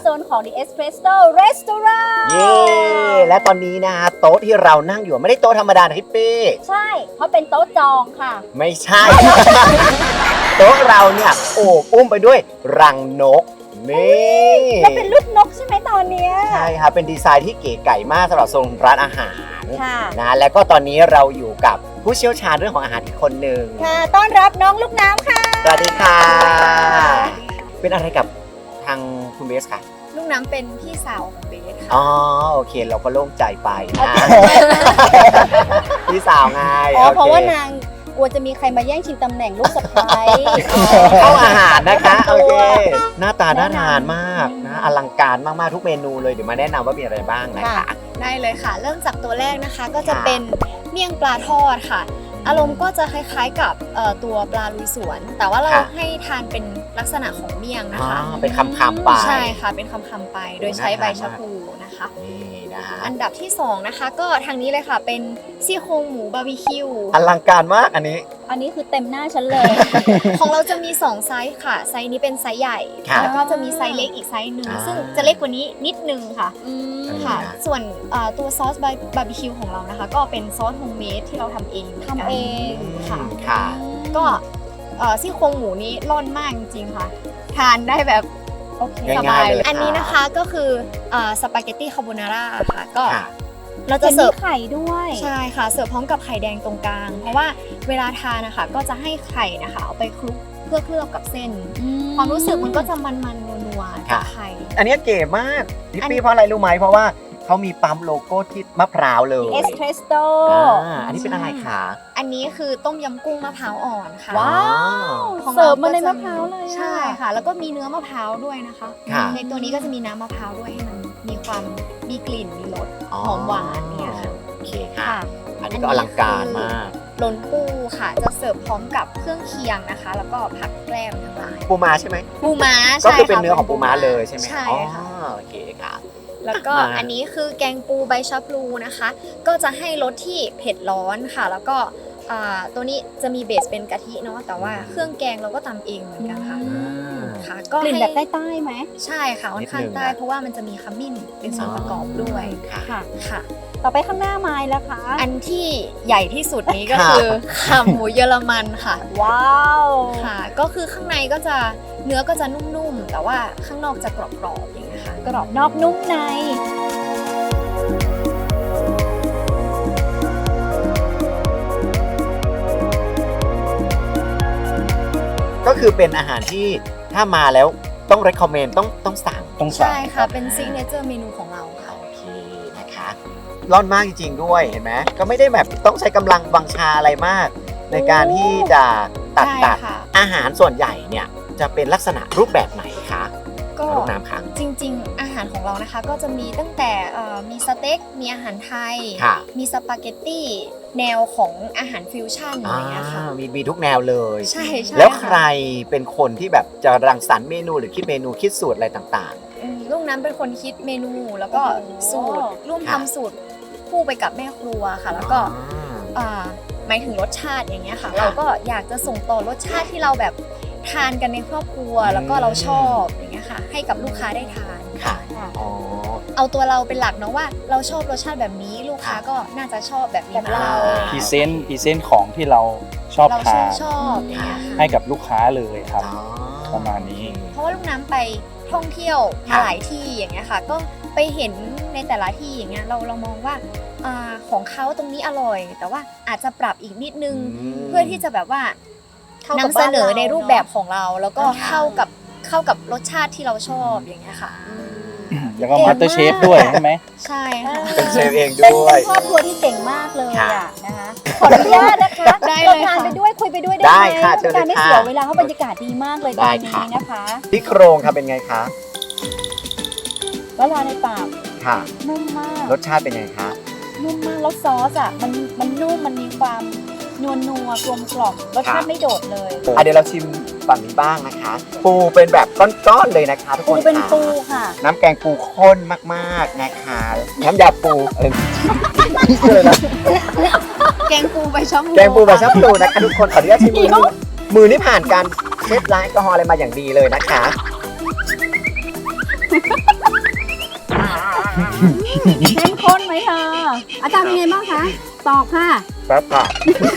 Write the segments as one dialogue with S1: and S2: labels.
S1: โซนของ The Espresso Restaurant
S2: เย้และตอนนี้นะโต๊ะที่เรานั่งอยู่ไม่ได้โต๊ะธรรมดานะพี่ปี้
S1: ใช่เพราะเป็นโต๊ะจองค่ะ
S2: ไม่ใช่ โต๊ะเราเนี่ยโอบอุ้มไปด้วยรังนกนี่
S1: แล้วเป็นลูกนกใช่ไหมตอนเนี้ย
S2: ใช่ครับเป็นดีไซน์ที่เก๋ไก่มากสำหรับโซนร้านอาหาร
S1: ค่ะ
S2: นะแล้วก็ตอนนี้เราอยู่กับผู้เชี่ยวชาญเรื่องของอาหารอีกคนหนึ่ง
S1: ค่ะต้อนรับน้องลูกน้ำค่ะ
S2: สวัสดีค่ะ เป็นอะไรกับทางคุณเบสค่ะ
S3: ลูกน้ำเป็นพี่สาวของเบสค่ะ
S2: อ๋อโอเคเราก็โล่งใจไปนะพี่สาวไง
S1: อ๋อ
S2: โอค
S1: เพราะว่านางกลัวจะมีใครมาแย่งชิงตำแหน่งลูกสะใภ้
S2: เข้าอาหารนะคะโอเคหน้าตาน่าทานมากนะอลังการมากๆทุกเมนูเลยเดี๋ยวมาแนะนำว่ามีอะไรบ้างนะคะ
S3: ได้เลยค่ะ เริ่มจากตัวแรกนะคะก็จะเป็นเมี่ยงปลาทอดค่ะ อารมณ์ก็จะคล้ายๆกับตัวปลาลุยสวน แต่ว่าเรา
S2: ค่ะ
S3: ให้ทานเป็นลักษณะของเมี่ยงนะ
S2: อ๋อ
S3: คะ
S2: เป็นคำๆไป
S3: ใช่ค่ะเป็นคำๆไป โดยใช้ใบชะพูนะคะ
S2: นี่นะ
S3: อันดับที่2นะคะก็ทางนี้เลยค่ะเป็นซี่โครงหมูบาร์บีคิว
S2: อลังการมากอันนี้
S1: อันนี้คือเต็มหน้าฉันเลย
S3: ของเราจะมี2ไซส์ค่ะไซส์นี้เป็นไซส์ใหญ่
S2: ค่ะ
S3: แล้วก็จะมีไซส์เล็กอีกไซส์หนึ่ง
S2: อ่า
S3: ซึ่งจะเล็กกว่านี้นิดนึงค่ะ ค่ะ
S2: นะ
S3: ส่วนตัวซอสบาร์บีคิวของเรานะคะ ก็เป็นซอสโฮมเมดที่เราทำเองหมืนกัน
S1: ทำเอง
S3: ค่ะ
S2: ค่ะ
S3: ก็ซี่โครงหมูนี้ร่อนมากจริงๆค่ะ ทานได้แบบ
S1: โอเค
S3: ส
S2: ง่า
S3: บาย ย
S2: ๆ
S3: เล
S2: เลย
S3: ยอันนี้นะคะก็คือสปาเกตตี้คาโบนาร่าค่ะ ก็
S2: ค่ะ
S3: เรา
S1: จะ
S3: จะ
S1: เสิ
S3: เสิ
S1: ร์
S3: ร์
S1: ฟ
S3: ฟ
S1: ไข่ด้วย
S3: ใช่ค่ะเสิร์ฟพร้อมกับไข่แดงตรงกลาง เพราะว่าเวลาทานนะคะก็จะให้ไข่นะคะเอาไปคลุกเพื่อเคลือบกับเส้น ความรู้สึกมันก็จะมันๆนัวๆกับไข่
S2: อันนี้เก๋มากพี่
S3: อัน
S2: ปี้เพราะอะไรรู้ไหมเพราะว่าเขามีปั๊มโลโก้ที่มะพร้าวเลย
S1: The Espresso
S2: อันนี้เป็นอะไรคะ
S3: อันนี้คือต้มยำกุ้งมะพร้าวอ่อนค่ะ
S1: ว้าว
S3: ของ
S1: เสิร์ฟมาใน
S3: ก็จ
S1: มะพร้าวเลยอะ
S3: ใช่ค่ะ แล้วก็มีเนื้อมะพร้าวด้วยนะคะ
S2: ค่ะ
S3: ในตัวนี้ก็จะมีน้ำมะพร้าวด้วยให้มันมีความมีกลิ่นมีรสหอมหวานเนี่ยค่ะ
S2: โอเคค่ะ
S1: ค่ะ
S2: อันนี้ก็อลังการมาก
S3: หล่นปูค่ะจะเสิร์ฟพร้อมกับเครื่องเคียงนะคะ แล้วก็ผักแกล้มทั้งหลาย
S2: ปูม้าใช่ไหม
S3: ปูม้า
S2: ก็
S3: ใช่
S2: คือเป็น
S3: ค่ะ
S2: เนื้อของปูม้าเลยใช่ไหม
S3: ใช่ค่ะ
S2: อ๋อโอเคค่ะ
S3: แล้วก็
S2: มา
S3: อันนี้คือแกงปูใบชะพลูนะคะ ก็จะให้รสที่เผ็ดร้อนค่ะ แล้วก็ตัวนี้จะมีเบสเป็นกะทิเนาะแต่ว่าเครื่องแกงเราก็ตำเองเหมือนกันค่ะ ค่ะ ก็
S1: กลิ่น
S3: ให้
S1: แบบใต้ๆไหม
S3: ใช่ค่ะค่อนข้าง
S2: นิดนึง
S3: ใต้
S2: นะ
S3: เพราะว่ามันจะมีขมิ้นเป็นส่วนประกอบด้วย
S2: ค่ะ
S1: ค่ะ
S3: ค่ะ
S1: ต่อไปข้างหน้าไม้แล้วคะ
S3: อันที่ใหญ่ที่สุดนี้ก็
S2: ค่ะ
S3: คือขาหมูเยอรมันค่ะ
S1: ว้าว
S3: ค่ะ ก็คือข้างในก็จะเนื้อก็จะนุ่มๆ แต่ว่าข้างนอกจะกรอบๆอย่างเงี้ยค่ะ
S1: กรอบนอกนุ่มใน
S2: ก็คือเป็นอาหารที่ถ้ามาแล้วต้อง recommend ต้องสั่ง
S4: ต้องสั่ง
S3: ใช่ค่ะ เป็นซิกเนเจอร์เมนูของเราค่ะ
S2: โอเคนะคะร่อนมากจริงๆด้วยเห็นไหมก็ไม่ได้แบบต้องใช้กำลังวังชาอะไรมาก ในการที่จะตัด
S3: ใช่
S2: ตัด
S3: ค่ะ
S2: อาหารส่วนใหญ่เนี่ยจะเป็นลักษณะรูปแบบไหนคะ
S3: ก็
S2: ลูกน้ำคะ
S3: จริงๆ อาหารของเรานะคะก็จะมีตั้งแต่มีสเต็ก มีอาหารไทย
S2: ค่ะ
S3: มีสปาเกตตี้แนวของอาหารฟิวชั่นอะไรอย่างเงี้ยค่ะ
S2: มีทุกแนวเลย
S3: ใช่ใช่
S2: แล้ว
S3: ะ
S2: ใครเป็นคนที่แบบจะรังสรรค์เมนูหรือคิดเมนูคิดสูตรอะไรต่าง
S3: ลูกน้ำเป็นคนคิดเมนูแล้วก็
S1: โอ้โห
S3: สูตรร่วม
S2: ค่ะ
S3: ทำสูตรคู่ไปกับแม่ครัวค่ะ
S2: ๆ
S3: แล้วก็
S2: อ่า
S3: หมายถึงรสชาติอย่างเงี้ยค่ะ
S2: ค่ะ
S3: เราก็อยากจะส่งต่อรสชาติที่เราแบบทานกันในครอบครัว
S2: อืม
S3: แล้วก็เราชอบอย่างเงี้ยค่ะ ให้กับลูกค้าได้ทาน
S2: ค่ะ
S1: ค่ะ
S2: อ๋อ
S3: เอาตัวเราเป็นหลักเนาะว่าเราชอบรสชาติแบบนี้ลูกค้า
S2: ค่ะ
S3: ก็น่าจะชอบแบบนี้
S1: แบบเรา
S4: พรีเซนต์ของที่เราชอบ
S3: เรา
S4: ทาน
S3: ชอบอย่างเงี้ยค่ะ
S4: ให้กับลูกค้าเลยครับ
S2: อ๋อ
S4: ประมาณนี้
S3: เพราะว่าลูกน้ำไปท่องเที่ยว
S2: ค่ะ
S3: มาหลายที่อย่างเงี้ยค่ะ ก็ไปเห็นในแต่ละที่อย่างเงี้ยเรามองว่าของเขาตรงนี้อร่อย แต่ว่าอาจจะปรับอีกนิดนึง เพื่อที่จะแบบว่า
S1: เข้ากับ
S3: นำเสนอ
S1: บ้านเรา
S3: ในรูปแบบของเรา แล้วก็
S2: ค่ะ
S3: เข้ากับรสชาติที่เราชอบอย่างเงี้ยค่ะ
S4: แล้วก็มาสเตอร์เชฟด้วยใช่ไหม
S3: ใช่ค่ะ
S2: เป็นเชฟเอง
S1: เป็น
S2: ด้วย
S1: ครอบครัวที่เก่งมากเลย
S2: ค่ะ
S1: อ่ะนะคะขออนุญาตนะคะ
S3: ได้เลย
S1: ทาน
S3: ค่ะ
S1: ไปด้วยคุยไปด้วยได้
S2: ได้
S1: ไหม
S2: ค่ะ
S1: เพื่อเป็นการไม่
S2: เชิญเลยค่ะ
S1: เสียเวลาเพราะบรรยากาศดีมากเลยต
S2: ได้
S1: อนนี้
S2: ค่ะ
S1: นะคะ
S2: ที่โครงค่ะเป็นไงคะ
S1: แล้วลาในปาก
S2: ค่ะ
S1: นุ่มมาก
S2: รสชาติเป็นไงคะ
S1: นุ่มมากแล้วซอสอ่ะมันนุ่มมันมีความนัวกลมกล่อมรสชาติไม่โดดเลย
S2: เดี๋ยวเราชิมฝั่งนี้บ้างนะคะ ปูเป็นแบบก้อนๆเลยนะคะทุกค
S1: ปู
S2: น
S1: เป็น
S2: ค่ะ
S1: ปูค่ะ
S2: น้ำแกงปูข้นมากๆนะคะน้ำยาปูเลยนะ
S3: แกงปูใบชะพู
S2: แกงปูแบบชับปูนะคะทุกคนขออนุญาตชิมมือนี่ผ่านการเช็ดล้างแอลกอฮอล์อะไรมาอย่างดีเลยนะคะ
S1: เข้มข้นไหมเธอ อาจารย์เป็นไงบ้างคะ ตอบค่ะ
S2: แป๊บค่ะ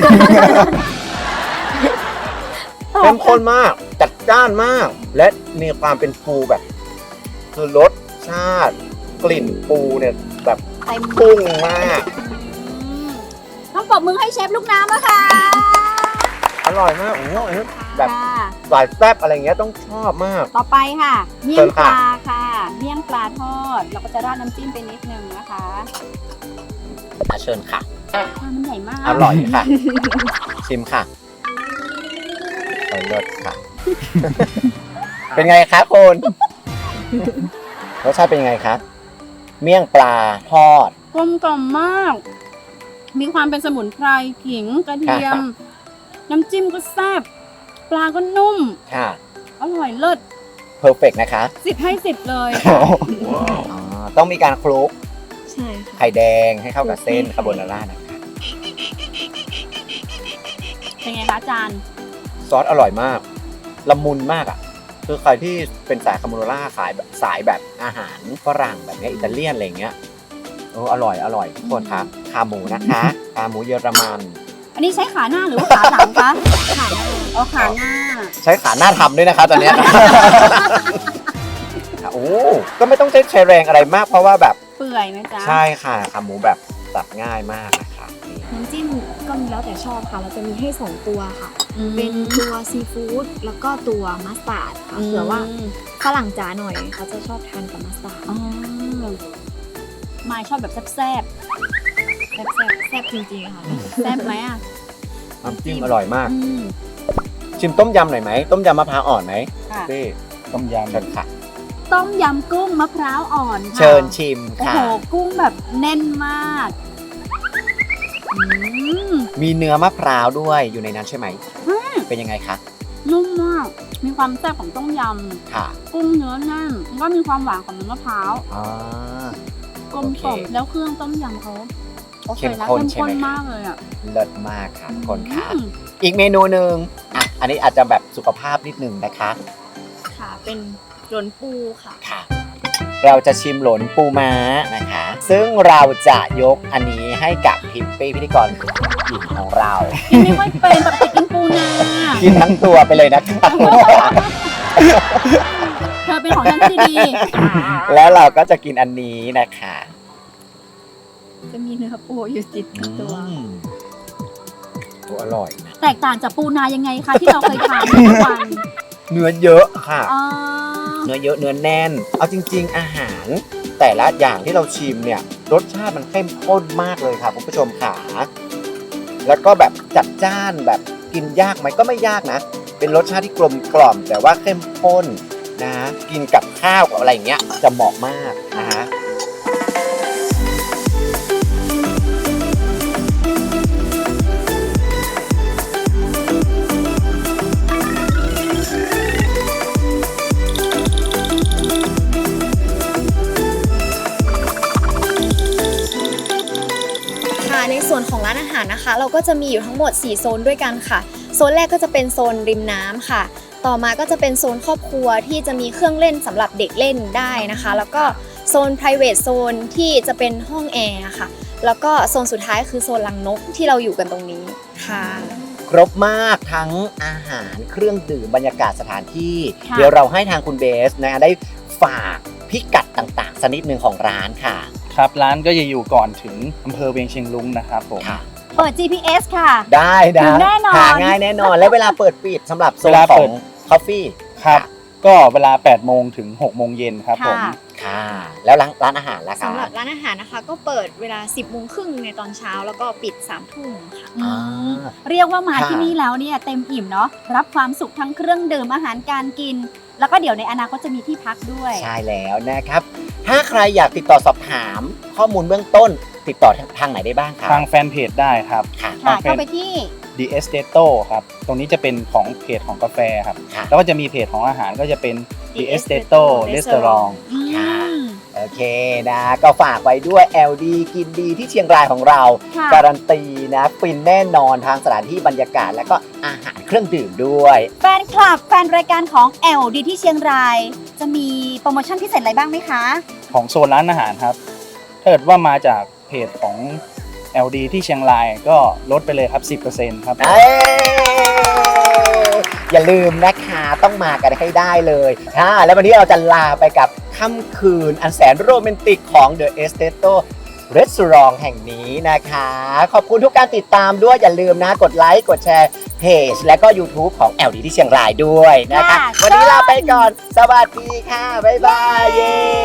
S2: เข้มข้นมาก จัดจ้านมาก และมีความเป็นปูแบบ คือรสชาติ กลิ่นปูเนี่ยแบบ
S1: เต็ม
S2: พุ่งมาก
S1: ต้องปรบมือให้เชฟลูกน้ำแล้วค่ะ
S2: อร่อยมากโอ้โหแบบ
S1: ค่ะ
S2: สายแซ่บอะไรเงี้ยต้องชอบมาก
S1: ต่อไปค่ะ เมี่ย
S2: เชิ
S1: ง
S2: ญ
S1: ป
S2: ค่ะ
S1: ลาค่ะ เมี่ยงปลาทอด เราก็จะราดน้ำจิ้มไปนิดนึงนะคะ
S2: เชิญค่ะ
S1: ปลามันใหญ่มาก
S2: อร่อยค่ะ ชิมค่ะเลิศค่ะ เป็นไงคะคุณรสชาติเป็นยังไงคะเมี่ยงปลาทอด
S1: กลมกล่อมมาก มีความเป็นสมุนไพรขิงกระเทียม น้ำจิ้มก็แซ่บ ปลาก็นุ่ม
S2: ค่ะ
S1: อร่อยเลิศ
S2: เพอร์เฟกนะคะ
S1: 10 ให้ 10 เลย
S2: ต้องมีการคลุก
S3: ใช่ค่ะ
S2: ไข่แดงให้เข้ากับเส้นคาโบนาร่านะคะ
S1: เป็นไงคะอาจารย์
S2: ซอสอร่อยมาก ละมุนมากอ่ะ คือใครที่เป็นสายคาโบนาร่าขายแบบสายแบบอาหารฝรั่งแบบเนี้ยอิตาเลียนอะไรเงี้ยอร่อยทุกคนครับขาหมูนะคะขาหมูเยอรมัน
S1: อันนี้ใช้ขาหน้าหรือว่าขาหลังคะขาหน้าอ๋อขาหน้า
S2: ใช้ขาหน้าทำด้วยนะคะตอนเนี้ย โอ้ก็ไม่ต้องใช้แรงอะไรมากเพราะว่าแบบ
S1: เปื่อยไหมจ๊ะ
S2: ใช่ค่ะขาหมูแบบสับง่ายมากนะคะนี่
S3: น้ำจิ้มก็มีแล้วแต่ชอบค่ะ เราจะมีให้ 2 ตัวค่ะ
S1: อืม
S3: เป็นตัวซีฟู้ดแล้วก็ตัวมัสตาร์ดค่ะเผื่อว่าฝรั่งจ๋าหน่อยเขาจะชอบทานกับมัสตาร์ด
S1: อ๋อมายชอบแบบแซ่บ
S3: แซ่บจริงๆค่ะ
S1: ๆแซ่บไหมอ่ะ
S2: น้ำจิ้มอร่อยมาก
S1: อืม
S2: ชิมต้มยำหน่อยไหมต้มยำมะพร้าวอ่อนไหม
S1: ค่ะ
S2: พี่
S4: ต้มยำ
S2: เชิญค่ะ
S1: ต้มยำกุ้งมะพร้าวอ่อนค่ะ
S2: เชิญชิม
S1: โอ้
S2: ค่ะ
S1: โห กุ้งแบบแน่นมากอืม
S2: มีเนื้อมะพร้าวด้วยอยู่ในนั้นใช่ไหมเป็นยังไงคะ
S1: นุ่มมาก มีความแซ่บของต้มย
S2: ค่ะ
S1: ำ กุ้งเนื้อแน่นแล้วก็มีความหวานของเนื้อมะพร้าว
S2: อ่าก
S1: ลมกล่อมแล้วเครื่องต้มยำเขาโอเคนะ
S2: เข้มข้น
S1: เข้ม
S2: ใช่ไหม
S1: ข้นมากเลยอ่ะ
S2: เลิศมากค่ะทุกคนค่ะ
S1: อืม
S2: อีกเมนูหนึ่งอ่ะอันนี้อาจจะแบบสุขภาพนิดนึงนะคะ
S3: ค่ะ เป็นหลนปูค่ะ
S2: ค่ะ เราจะชิมหลนปูม้านะคะ ซึ่งเราจะยกอันนี้ให้กับพิปปี้พิธีกรหญิงของเรา
S1: กินไม่ค่อยเป็นปกติกินปูนา
S2: กินทั้งตัวไปเลยนะคะ
S1: เธอเป็นของฉันที่ดี
S2: แล้วเราก็จะกินอันนี้นะคะ
S3: จะมีเนื้อปูอยู่ติดกับตัว
S2: โอ้อร่อยนะ
S1: แตกต่างจากปูนายังไงคะที่เราเคยทานทุกวัน
S2: เนื้อเยอะค่ะ
S1: อ๋อ
S2: เนื้อเยอะเนื้อแน่น เอาจริง ๆ อาหาร แต่ละอย่างที่เราชิมเนี่ยรสชาติมันเข้มข้นมากเลยค่ะคุณผู้ชมค่ะแล้วก็แบบจัดจ้านแบบกินยากไหมก็ไม่ยากนะ เป็นรสชาติที่กลมกล่อม แต่ว่าเข้มข้นนะกินกับข้าวกับอะไรอย่างเงี้ยจะเหมาะมากนะฮะ
S3: ค่ะในส่วนของร้านอาหารนะคะ เราก็จะมีอยู่ทั้งหมด 4 โซนด้วยกันค่ะ โซนแรกก็จะเป็นโซนริมน้ำค่ะ ต่อมาก็จะเป็นโซนครอบครัวที่จะมีเครื่องเล่นสำหรับเด็กเล่นได้นะคะ แล้วก็โซน private zone ที่จะเป็นห้องแอร์ค่ะ แล้วก็โซนสุดท้ายคือโซนลังนกที่เราอยู่กันตรงนี้ค่ะ
S2: ครบมากทั้งอาหารเครื่องดื่มบรรยากาศสถานที่
S1: ค่ะ
S2: เดี๋ยวเราให้ทางคุณเบสนะได้ฝากพิกัดต่างๆสักนิดหนึ่งของร้านค่ะ
S4: ครับร้านก็จะอยู่ก่อนถึงอำเภอเวียงเชียงรุ้งนะครับผม
S2: ค่ะ
S1: เปิด GPS ค่ะ
S2: ได้นะ
S1: ถึงแน่นอน
S2: หาง่ายแน่นอน และเวลาเปิดปิดสำหรับโซ
S4: เวน ลา
S2: ขอ
S4: เปิ
S2: ง
S4: ด
S2: คอฟฟี่
S4: ครับ ก็เวลา 8 โมงถึง 6 โมงเย็นครับผม
S1: ค่ะ
S2: ค่ะ แล้วร้านอาหารล่ะคะ
S3: สำหรับร้านอาหารนะคะ ก็เปิดเวลา 10 โมงครึ่งในตอนเช้าแล้วก็ปิด 3 ทุ่มค่ะ
S2: อ่า
S1: เรียกว่ามา
S2: ค่ะ
S1: ที่นี่แล้วเนี่ยเต็มอิ่มเนาะรับความสุขทั้งเครื่องดื่มอาหารการกิน แล้วก็เดี๋ยวในอนาคตจะมีที่พักด้วย
S2: ใช่แล้วนะครับ ถ้าใครอยากติดต่อสอบถามข้อมูลเบื้องต้น ติดต่อทางไหนได้บ้างคะ
S4: ทางแฟนเพจได้ครับ
S2: ค่ะ
S1: ค่ะ
S4: โอเค
S1: เข้าไปที่
S4: The Estato ครับ ตรงนี้จะเป็นของเพจของกาแฟครับ
S2: ค่ะ
S4: แล้วก็จะมีเพจของอาหารก็จะเป็น The Estato Restaurant
S2: ค่ะ โอเคนะก็ฝากไว้ด้วย LD กินดีที่เชียงรายของเรา
S1: ค่ะ
S2: การันตีนะฟินแน่นอนทางสถานที่บรรยากาศและก็อาหารเครื่องดื่มด้วย
S1: แฟนคลับแฟนรายการของ LD ที่เชียงราย จะมีโปรโมชั่นพิเศษอะไรบ้างไหมคะ
S4: ของโซนร้านอาหารครับ ถถ้าเกิดว่ามาจากเพจของ LD ที่เชียงรายก็ลดไปเลยครับ 10% ครับ
S2: อย่าลืมนะคะต้องมากันให้ได้เลยแล้ววันนี้เราจะลาไปกับค่ำคืนอันแสนโรแมนติกของ The Esteto Restaurant แห่งนี้นะคะ ขอบคุณทุกการติดตามด้วยอย่าลืมนะกดไลค์กดแชร์เพจและก็ YouTube ของ LD ที่เชียงรายด้วยนะคะ วันนี้ลาไปก่อน สวัสดีค่ะ บ๊ายบายเย้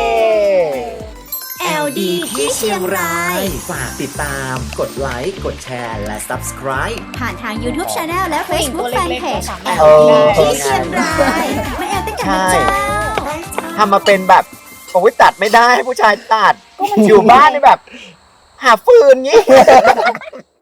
S5: LD ที่เชียงราย
S2: ฝากติดตามกดไลค์กดแชร์และ Subscribe
S5: ผ่านทาง YouTube Channel และ Facebook
S3: ผู้หญิงตัวเล็กๆ
S5: Fanpage
S3: ก็สามารถ
S5: LD ที่เชียงรายมาแอลด้วยกันนะเจ้า
S2: ทำมาเป็นแบบโอ้ยตัดไม่ได้ให้ผู้ชายตัด อยู่บ้านนี่แบบ หาฟืนงี้